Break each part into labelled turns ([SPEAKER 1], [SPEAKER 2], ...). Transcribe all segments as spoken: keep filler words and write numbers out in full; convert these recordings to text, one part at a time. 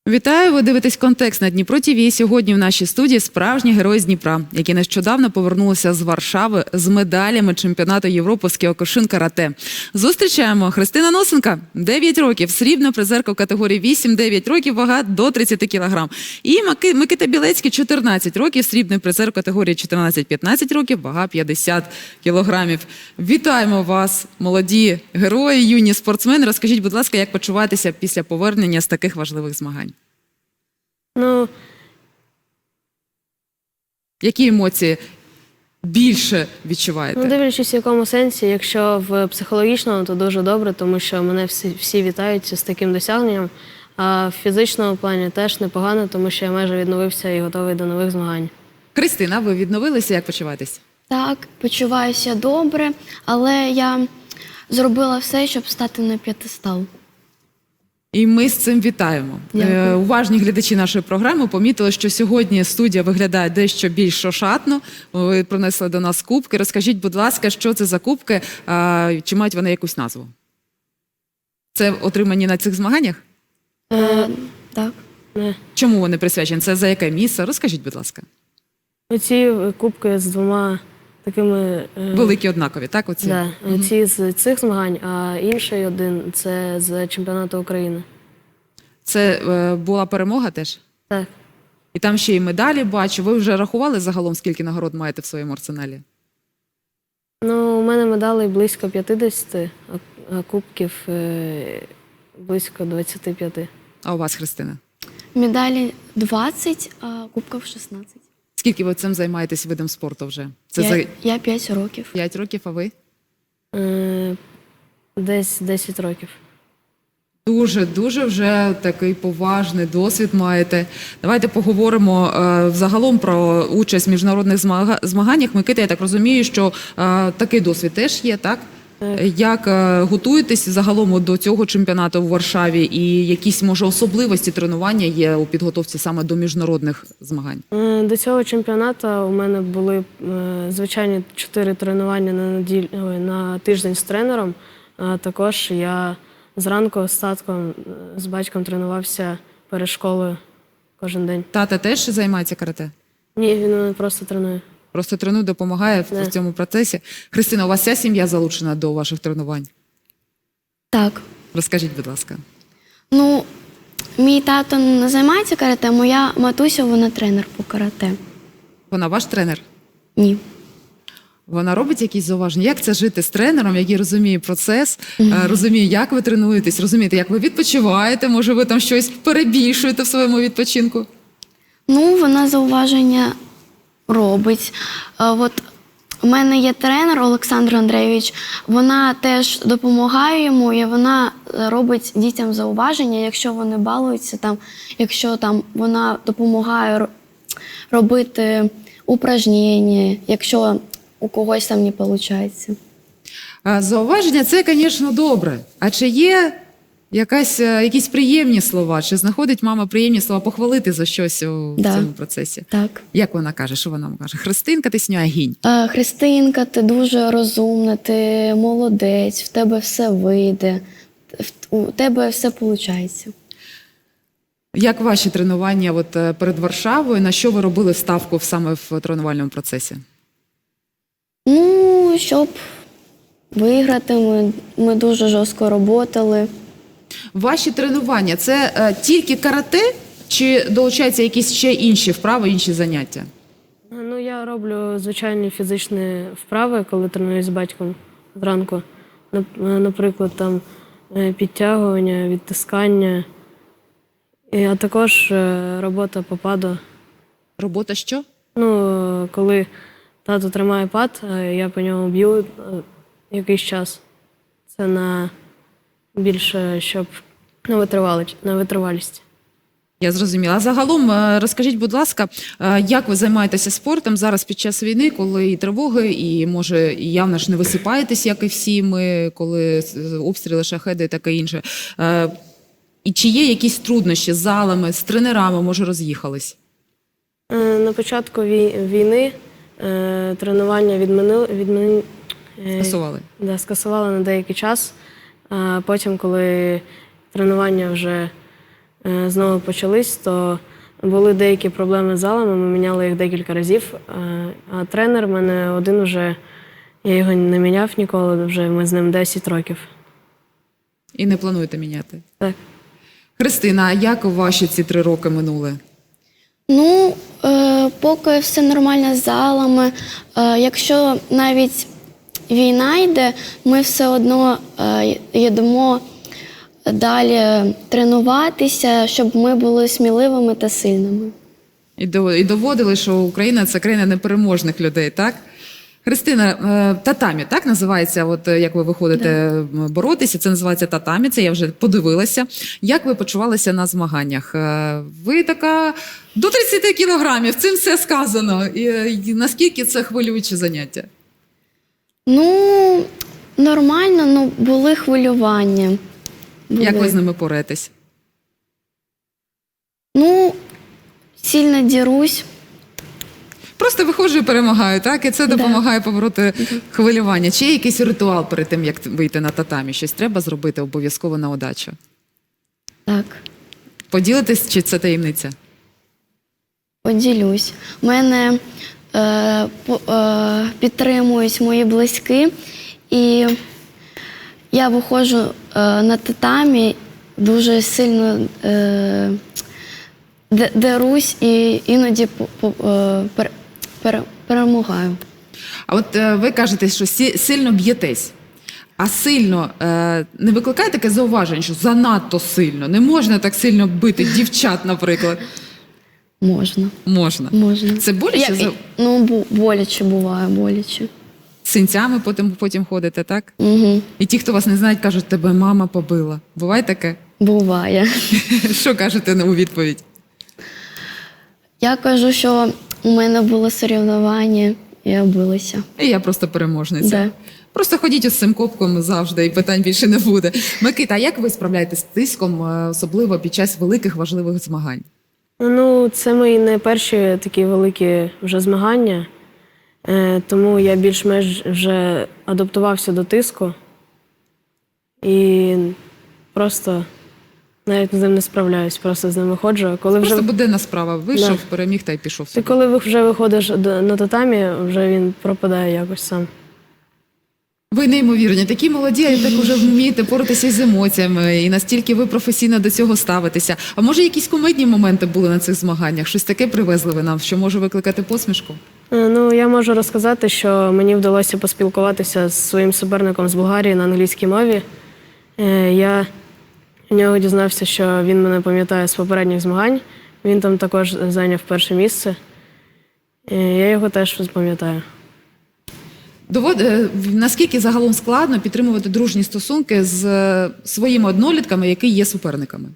[SPEAKER 1] Вітаю! Ви дивитесь «Контекст» на Дніпро ТВ. Сьогодні в нашій студії справжні герої з Дніпра, які нещодавно повернулися з Варшави з медалями чемпіонату Європи з кіокушин-карате. Зустрічаємо Христина Носенка, дев'ять років, срібна призерка в категорії вісім-дев'ять років, вага до тридцяти кілограм. І Микита Білецький, чотирнадцять років, срібний призер в категорії чотирнадцять-п'ятнадцять років, вага п'ятдесят кілограмів. Вітаємо вас, молоді герої, юні спортсмени. Розкажіть, будь ласка, як почуваєтеся після повернення з таких важливих змагань?
[SPEAKER 2] Ну,
[SPEAKER 1] які емоції більше відчуваєте?
[SPEAKER 2] ну, дивлячись, в якому сенсі. Якщо в психологічному, то дуже добре, тому що мене всі, всі вітають з таким досягненням. А в фізичному плані теж непогано, тому що я майже відновився і готовий до нових змагань.
[SPEAKER 1] Христина, ви відновилися? Як почуваєтесь?
[SPEAKER 3] Так, почуваюся добре, але я зробила все, щоб стати на п'єдестал.
[SPEAKER 1] І ми з цим вітаємо. Е, уважні глядачі нашої програми помітили, що сьогодні студія виглядає дещо більш ошатно. Ви принесли до нас кубки. Розкажіть, будь ласка, що це за кубки, е, чи мають вони якусь назву? Це отримані на цих змаганнях?
[SPEAKER 3] Е, так.
[SPEAKER 2] Не.
[SPEAKER 1] Чому вони присвячені? Це за яке місце? Розкажіть, будь ласка.
[SPEAKER 2] Оці кубки з двома такими... е,
[SPEAKER 1] Великі однакові, так? Оці?
[SPEAKER 2] Да, оці з цих змагань, а інший один – це з чемпіонату України.
[SPEAKER 1] Це е, була перемога теж?
[SPEAKER 2] Так.
[SPEAKER 1] І там ще й медалі бачу. Ви вже рахували загалом, скільки нагород маєте в своєму арсеналі?
[SPEAKER 2] Ну, у мене медалей близько п'ятдесят, а кубків е, близько двадцяти п'яти.
[SPEAKER 1] А у вас, Христина?
[SPEAKER 3] Медалі двадцять, а кубків шістнадцять.
[SPEAKER 1] Скільки ви цим займаєтесь видом спорту вже? Це
[SPEAKER 3] я,
[SPEAKER 1] за
[SPEAKER 3] я п'ять років.
[SPEAKER 1] п'ять років, а ви?
[SPEAKER 2] Е, десь десять років.
[SPEAKER 1] Дуже, дуже вже такий поважний досвід маєте. Давайте поговоримо е, загалом про участь в міжнародних змага... змаганнях. Микита, я так розумію, що е, такий досвід теж є, так?
[SPEAKER 2] Так.
[SPEAKER 1] Як е, готуєтесь загалом до цього чемпіонату в Варшаві і якісь, може, особливості тренування є у підготовці саме до міжнародних змагань?
[SPEAKER 2] Е, До цього чемпіонату у мене були е, звичайні чотири тренування на, неділю, ой, на тиждень з тренером. А також я зранку з татком, е, з батьком тренувався перед школою кожен день.
[SPEAKER 1] Тата теж займається карате?
[SPEAKER 2] Ні, він мене просто тренує.
[SPEAKER 1] Просто тренує, допомагає в,
[SPEAKER 2] Да.
[SPEAKER 1] в цьому процесі. Христина, у вас вся сім'я залучена до ваших тренувань?
[SPEAKER 3] Так.
[SPEAKER 1] Розкажіть, будь ласка.
[SPEAKER 3] Ну, мій тато не займається карате, моя матуся, вона тренер по карате.
[SPEAKER 1] Вона ваш тренер?
[SPEAKER 3] Ні.
[SPEAKER 1] Вона робить якісь зауваження? Як це жити з тренером, який розуміє процес, mm-hmm. розуміє, як ви тренуєтесь, розумієте, як ви відпочиваєте, може ви там щось перебільшуєте в своєму відпочинку?
[SPEAKER 3] Ну, вона зауваження робить. А, от у мене є тренер Олександр Андрійович, вона теж допомагає йому, і вона робить дітям зауваження, якщо вони балуються, там, якщо там вона допомагає робити упражнення, якщо у когось там не виходить.
[SPEAKER 1] Зауваження – це, звісно, добре. А чи є якась, якісь приємні слова? Чи знаходить мама приємні слова похвалити за щось у
[SPEAKER 3] Да.
[SPEAKER 1] цьому процесі?
[SPEAKER 3] Так.
[SPEAKER 1] Як вона каже? Що вона вам каже? Христинка, ти сьогодні гінь.
[SPEAKER 3] Е, Христинка, ти дуже розумна, ти молодець, в тебе все вийде, в- у тебе все виходить.
[SPEAKER 1] Як ваші тренування от, е, перед Варшавою? На що ви робили ставку саме в тренувальному процесі?
[SPEAKER 3] Ну, щоб виграти, ми, ми дуже жорстко працювали.
[SPEAKER 1] Ваші тренування – це е, тільки карате, чи долучаються якісь ще інші вправи, інші заняття?
[SPEAKER 2] Ну, я роблю звичайні фізичні вправи, коли тренуюсь з батьком зранку. Нап- Наприклад, там е, підтягування, відтискання, І, а також е, робота по паду.
[SPEAKER 1] Робота що?
[SPEAKER 2] Ну, е, коли тато тримає пад, а я по ньому б'ю е, якийсь час. Це на більше, щоб на витривалість. На витривалість.
[SPEAKER 1] Я зрозуміла. А загалом е, розкажіть, будь ласка, е, як ви займаєтеся спортом зараз під час війни, коли і тривоги, і, може, і явно ж не висипаєтесь, як і всі ми, коли обстріли, шахеди і таке інше. Е, І чи є якісь труднощі з залами, з тренерами, може, роз'їхались?
[SPEAKER 2] Е, На початку вій- війни е, тренування відмінили, відмін... е,
[SPEAKER 1] Скасували?
[SPEAKER 2] Да, скасували на деякий час. А потім, коли тренування вже е, знову почались, то були деякі проблеми з залами, ми міняли їх декілька разів. Е, а тренер в мене один вже, я його не міняв ніколи, вже ми з ним десять років.
[SPEAKER 1] І не плануєте міняти?
[SPEAKER 2] Так.
[SPEAKER 1] Христина, а як ваші ці три роки минули?
[SPEAKER 3] Ну, е, поки все нормально з залами. Е, якщо навіть війна йде, ми все одно е, йдемо далі тренуватися, щоб ми були сміливими та сильними.
[SPEAKER 1] І до- і доводили, що Україна – це країна непереможних людей, так? Христина, е, татамі, так називається, от е, як ви виходите м, боротися, це називається татамі, це я вже подивилася. Як ви почувалися на змаганнях? Е, Ви така до тридцяти кілограмів, цим все сказано. І, е, і наскільки це хвилююче заняття?
[SPEAKER 3] Ну, нормально, ну були хвилювання. Були.
[SPEAKER 1] Як ви з ними поретесь?
[SPEAKER 3] Ну, сильно дірусь.
[SPEAKER 1] Просто виходжу і перемагаю, так? І це
[SPEAKER 3] Да.
[SPEAKER 1] допомагає побороти хвилювання. Чи є якийсь ритуал перед тим, як вийти на татамі? Щось треба зробити обов'язково на удачу?
[SPEAKER 3] Так,
[SPEAKER 1] Поділитись, чи це таємниця?
[SPEAKER 3] поділюсь. У мене е, по- е, підтримують мої близькі, і я виходжу е, на татамі, дуже сильно е, де- дерусь і іноді по- по- е, пер- пер- перемагаю.
[SPEAKER 1] А от е, ви кажете, що сі- сильно б'єтесь. А сильно е, не викликає таке зауваження, що занадто сильно? Не можна так сильно бити дівчат, наприклад.
[SPEAKER 3] Можна.
[SPEAKER 1] Можна.
[SPEAKER 3] Можна.
[SPEAKER 1] Це боляче?
[SPEAKER 3] Я-
[SPEAKER 1] За
[SPEAKER 3] Ну, бу- боляче буває, боляче.
[SPEAKER 1] синцями потім, потім ходите, так?
[SPEAKER 3] Угу.
[SPEAKER 1] І ті, хто вас не знають, кажуть, тебе мама побила. Буває таке?
[SPEAKER 3] Буває.
[SPEAKER 1] Що кажете у відповідь?
[SPEAKER 3] Я кажу, що у мене було соревнування, і я билася.
[SPEAKER 1] І я просто переможниця.
[SPEAKER 3] Да.
[SPEAKER 1] Просто ходіть із цим копком завжди, і питань більше не буде. Микита, а як ви справляєтесь з тиском, е, особливо під час великих важливих змагань?
[SPEAKER 2] Ну, це мої не перші такі великі вже змагання, е, тому я більш-менш вже адаптувався до тиску і просто навіть з ним не справляюсь, просто з ним виходжу. А Коли вже,
[SPEAKER 1] Просто буденна справа. Вийшов,
[SPEAKER 2] Да.
[SPEAKER 1] переміг та й пішов
[SPEAKER 2] ти
[SPEAKER 1] собі.
[SPEAKER 2] коли ви- вже виходиш до- на татамі, вже він пропадає якось сам.
[SPEAKER 1] Ви неймовірні, такі молоді, і так уже вмієте поратися з емоціями, і настільки ви професійно до цього ставитеся. А може, якісь комедні моменти були на цих змаганнях? Щось таке привезли ви нам, що може викликати посмішку?
[SPEAKER 2] Е, Ну, я можу розказати, що мені вдалося поспілкуватися з своїм суперником з Болгарії на англійській мові. Е, Я в нього дізнався, що він мене пам'ятає з попередніх змагань. Він там також зайняв перше місце. Е, Я його теж пам'ятаю.
[SPEAKER 1] Довод... е, Наскільки загалом складно підтримувати дружні стосунки з е, своїми однолітками, які є суперниками?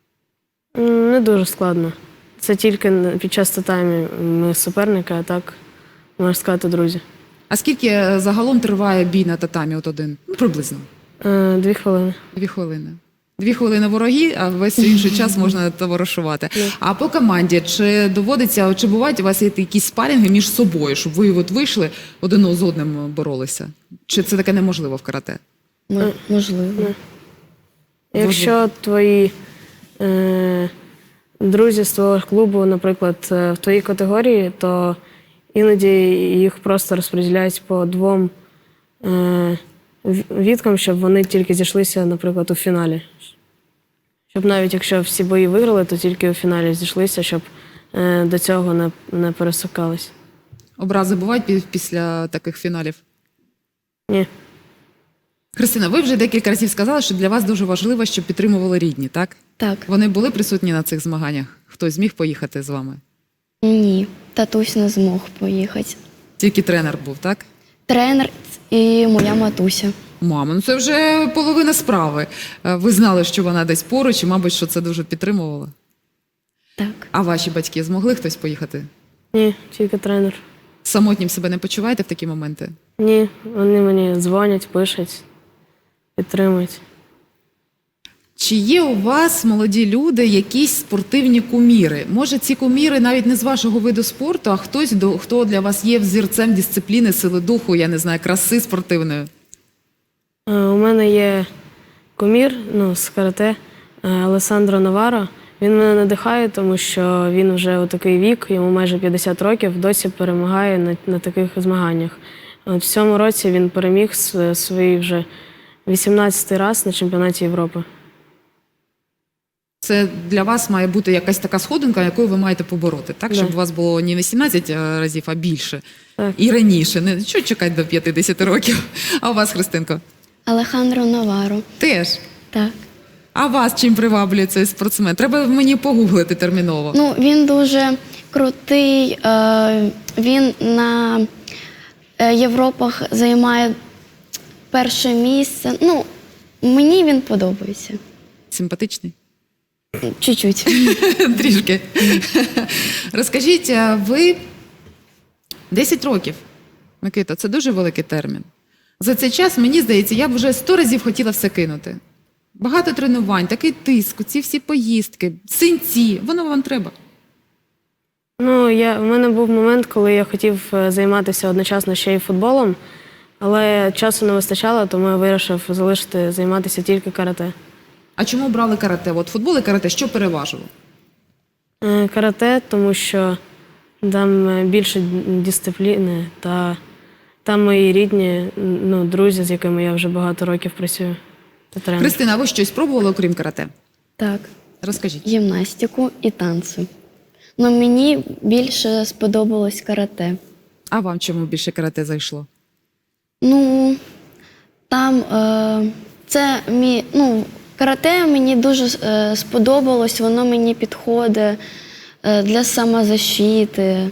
[SPEAKER 2] М, Не дуже складно. Це тільки під час татамі ми суперники, а так, можна сказати, друзі.
[SPEAKER 1] А скільки е, загалом триває бій на татамі от один? Ну, приблизно.
[SPEAKER 2] Е, Дві хвилини.
[SPEAKER 1] Дві хвилини. Дві хвилини вороги, а весь інший час можна товаришувати. А по команді, чи доводиться, чи бувають у вас є якісь спарінги між собою, щоб ви от вийшли один з одним боролися? Чи це таке неможливо в карате?
[SPEAKER 3] М- Можливо.
[SPEAKER 2] Якщо твої е, друзі з твого клубу, наприклад, е, в твоїй категорії, то іноді їх просто розподіляють по двом е, в- відкам, щоб вони тільки зійшлися, наприклад, у фіналі. Щоб навіть якщо всі бої виграли, то тільки у фіналі зійшлися, щоб е, до цього не, не пересукались.
[SPEAKER 1] Образи бувають пі- після таких фіналів?
[SPEAKER 2] Ні.
[SPEAKER 1] Христина, ви вже декілька разів сказали, що для вас дуже важливо, щоб підтримували рідні, так?
[SPEAKER 3] Так.
[SPEAKER 1] Вони були присутні на цих змаганнях? Хтось зміг поїхати з вами?
[SPEAKER 3] Ні, татусь не змог поїхати.
[SPEAKER 1] Тільки тренер був, так?
[SPEAKER 3] Тренер і моя матуся.
[SPEAKER 1] Мама, ну це вже половина справи. Е, Ви знали, що вона десь поруч, і, мабуть, що це дуже підтримувало.
[SPEAKER 3] Так.
[SPEAKER 1] А ваші батьки змогли хтось поїхати?
[SPEAKER 2] Ні, тільки тренер.
[SPEAKER 1] Самотнім себе не почуваєте в такі моменти?
[SPEAKER 2] Ні, вони мені дзвонять, пишуть, підтримують.
[SPEAKER 1] Чи є у вас, молоді люди, якісь спортивні куміри? Може, ці куміри навіть не з вашого виду спорту, а хтось, до- хто для вас є взірцем дисципліни, сили духу, я не знаю, краси спортивної?
[SPEAKER 2] Е, У мене є кумір ну, з карате е, Алесандро Наваро. Він мене надихає, тому що він вже у такий вік, йому майже п'ятдесят років, досі перемагає на, на таких змаганнях. От в цьому році він переміг с- свій вже вісімнадцятий раз на чемпіонаті Європи.
[SPEAKER 1] Це для вас має бути якась така сходинка, якою ви маєте побороти, так?
[SPEAKER 2] Да.
[SPEAKER 1] Щоб у вас було не вісімнадцять разів, а більше.
[SPEAKER 2] Так.
[SPEAKER 1] І раніше. Не що чекати до п'ятдесят років. А у вас, Христинко?
[SPEAKER 3] Алехандро Наваро.
[SPEAKER 1] Теж.
[SPEAKER 3] Так.
[SPEAKER 1] А вас чим приваблює цей спортсмен? Треба мені погуглити терміново.
[SPEAKER 3] Ну, він дуже крутий. Е, він на е, Європах займає перше місце. Ну, мені він подобається.
[SPEAKER 1] Симпатичний?
[SPEAKER 3] Чуть-чуть.
[SPEAKER 1] Трішки. Розкажіть, а ви десять років, Микита, це дуже великий термін. За цей час, мені здається, я б вже сто разів хотіла все кинути. Багато тренувань, такий тиск, ці всі поїздки, синці, воно вам треба.
[SPEAKER 2] Ну, я, в мене був момент, коли я хотів е, займатися одночасно ще й футболом, але часу не вистачало, тому я вирішив залишити займатися тільки карате.
[SPEAKER 1] А чому брали карате? От футбол і карате, що переважило?
[SPEAKER 2] Е, Карате, тому що там е, більше дисципліни та там мої рідні, ну, друзі, з якими я вже багато років працюю. Та тренер.
[SPEAKER 1] Христина, а ви щось пробували, окрім карате?
[SPEAKER 3] Так.
[SPEAKER 1] Розкажіть.
[SPEAKER 3] Гімнастику і танцю. Ну, мені більше сподобалось карате.
[SPEAKER 1] А вам чому більше карате зайшло?
[SPEAKER 3] Ну, там е, це мій, ну, карате мені дуже е, сподобалось, воно мені підходить е, для самозащити.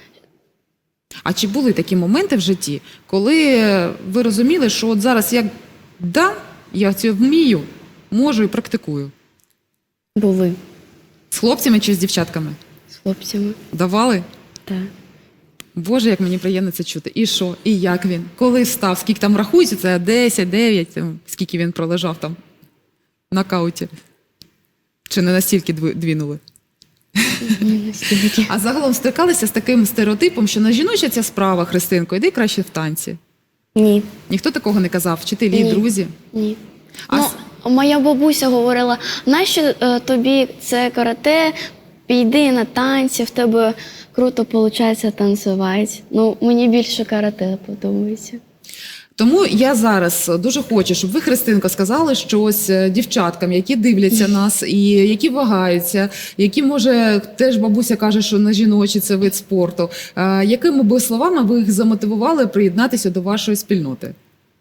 [SPEAKER 1] А чи були такі моменти в житті, коли ви розуміли, що от зараз як да, я це вмію, можу і практикую?
[SPEAKER 3] Були
[SPEAKER 1] З хлопцями чи з дівчатками?
[SPEAKER 3] з хлопцями.
[SPEAKER 1] Давали?
[SPEAKER 3] Так.
[SPEAKER 1] Боже, як мені приємно це чути. І що? І як він? Коли став? Скільки там рахується? Це десять, дев'ять, там, скільки він пролежав там в нокауті? Чи не настільки дві- двінули?
[SPEAKER 3] Ні, настільки.
[SPEAKER 1] А загалом стикалися з таким стереотипом, що на жіноча ця справа, Христинко, йди краще в танці.
[SPEAKER 3] Ні.
[SPEAKER 1] Ніхто такого не казав? Вчителі,
[SPEAKER 3] Ні.
[SPEAKER 1] друзі?
[SPEAKER 3] Ні.
[SPEAKER 1] А
[SPEAKER 3] Ну,
[SPEAKER 1] с-
[SPEAKER 3] моя бабуся говорила, нащо е, тобі це карате, піди на танці, в тебе круто виходить танцювати. Ну, мені більше карате подобається.
[SPEAKER 1] Тому я зараз дуже хочу, щоб ви, Христинко, сказали щось е, дівчаткам, які дивляться нас і які вагаються, які, може, теж бабуся каже, що на жіночі це вид спорту. Е, Якими би словами ви їх замотивували приєднатися до вашої спільноти?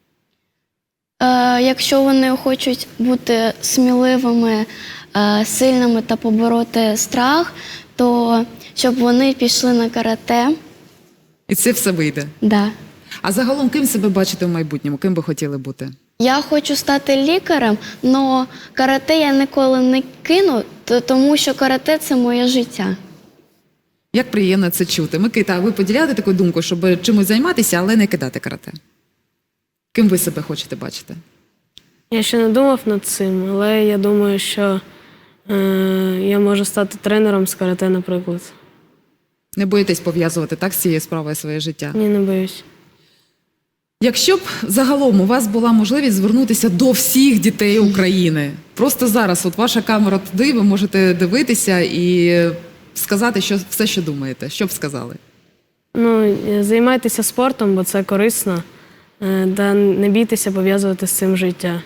[SPEAKER 3] Е, якщо вони хочуть бути сміливими, е, сильними та побороти страх, то щоб вони пішли на карате.
[SPEAKER 1] І це все вийде.
[SPEAKER 3] Да.
[SPEAKER 1] А загалом, ким себе бачите в майбутньому? Ким би хотіли бути?
[SPEAKER 3] Я хочу стати лікарем, але карате я ніколи не кину, то- тому що карате це моє життя.
[SPEAKER 1] Як приємно це чути. Микита, а ви поділяєте таку думку, щоб чимось займатися, але не кидати карате? Ким ви себе хочете бачити?
[SPEAKER 2] Я ще не думав над цим, але я думаю, що е, я можу стати тренером з карате, наприклад.
[SPEAKER 1] Не боїтесь пов'язувати так з цією справою своє життя?
[SPEAKER 2] Ні, не боюсь.
[SPEAKER 1] Якщо б загалом у вас була можливість звернутися до всіх дітей України, просто зараз, от ваша камера туди, ви можете дивитися і сказати що, все, що думаєте. Що б сказали?
[SPEAKER 2] Ну, е, займайтеся спортом, бо це корисно. Е, Та не бійтеся пов'язувати з цим життя.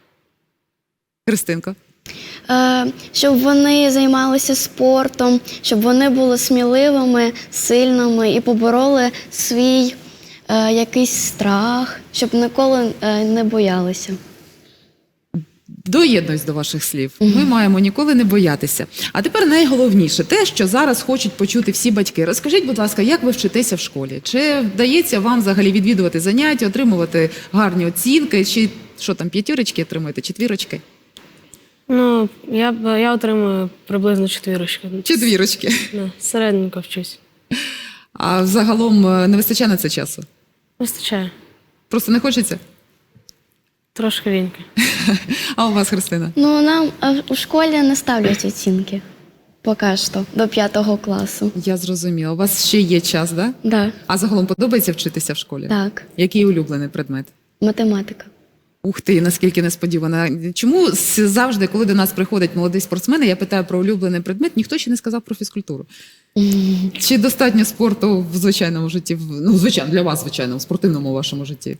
[SPEAKER 1] Христинко?
[SPEAKER 3] Е, щоб вони займалися спортом, щоб вони були сміливими, сильними і побороли свій е, якийсь страх, щоб ніколи е, не боялися.
[SPEAKER 1] Доєднуюсь до ваших слів. Ми маємо ніколи не боятися. А тепер найголовніше те, що зараз хочуть почути всі батьки. Розкажіть, будь ласка, як ви вчитеся в школі? Чи вдається вам взагалі відвідувати заняття, отримувати гарні оцінки, чи що там, п'ятірочки отримуєте, четвірочки?
[SPEAKER 2] Ну, я, б- я отримую приблизно четвірочки.
[SPEAKER 1] Четвірочки.
[SPEAKER 2] Да, середненько вчусь.
[SPEAKER 1] А загалом е, не вистачає на це часу?
[SPEAKER 2] Вистачає.
[SPEAKER 1] Просто не хочеться?
[SPEAKER 2] Трошки ліньки.
[SPEAKER 1] А у вас, Христина?
[SPEAKER 3] Ну, нам е, у школі не ставлять оцінки поки що, до п'ятого класу.
[SPEAKER 1] Я зрозуміла. У вас ще є час, да?
[SPEAKER 3] Да,
[SPEAKER 1] А загалом подобається вчитися в школі?
[SPEAKER 3] так,
[SPEAKER 1] Який улюблений предмет?
[SPEAKER 3] математика.
[SPEAKER 1] Ух ти, наскільки несподівано. Чому с- завжди, коли до нас приходять молоді спортсмени, я питаю про улюблений предмет, ніхто ще не сказав про фізкультуру? Чи достатньо спорту в звичайному житті? В- Ну, звичайно, для вас, звичайно, в спортивному вашому житті?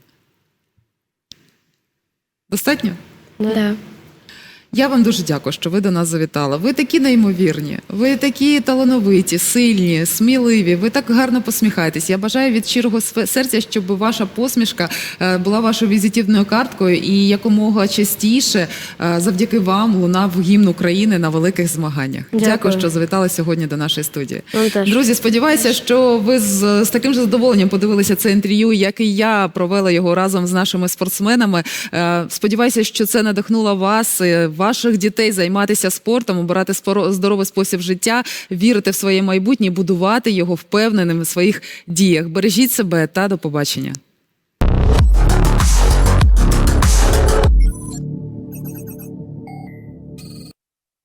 [SPEAKER 1] Достатньо?
[SPEAKER 3] Да.
[SPEAKER 1] Я вам дуже дякую, що ви до нас завітали. Ви такі неймовірні, ви такі талановиті, сильні, сміливі, ви так гарно посміхаєтесь. Я бажаю від щирого сфе- серця, щоб ваша посмішка е, була вашою візитівною карткою і якомога частіше е, завдяки вам лунав гімн України на великих змаганнях. Дякую,
[SPEAKER 2] Дякую.
[SPEAKER 1] що завітали сьогодні до нашої студії.
[SPEAKER 2] Вам теж.
[SPEAKER 1] Друзі, сподіваюся, що ви з, з таким же задоволенням подивилися це інтерв'ю, як і я провела його разом з нашими спортсменами. Е, Сподіваюся, що це надихнуло вас, е, ваших дітей займатися спортом, обирати споро- здоровий спосіб життя, вірити в своє майбутнє, будувати його впевненим в своїх діях. Бережіть себе та до побачення.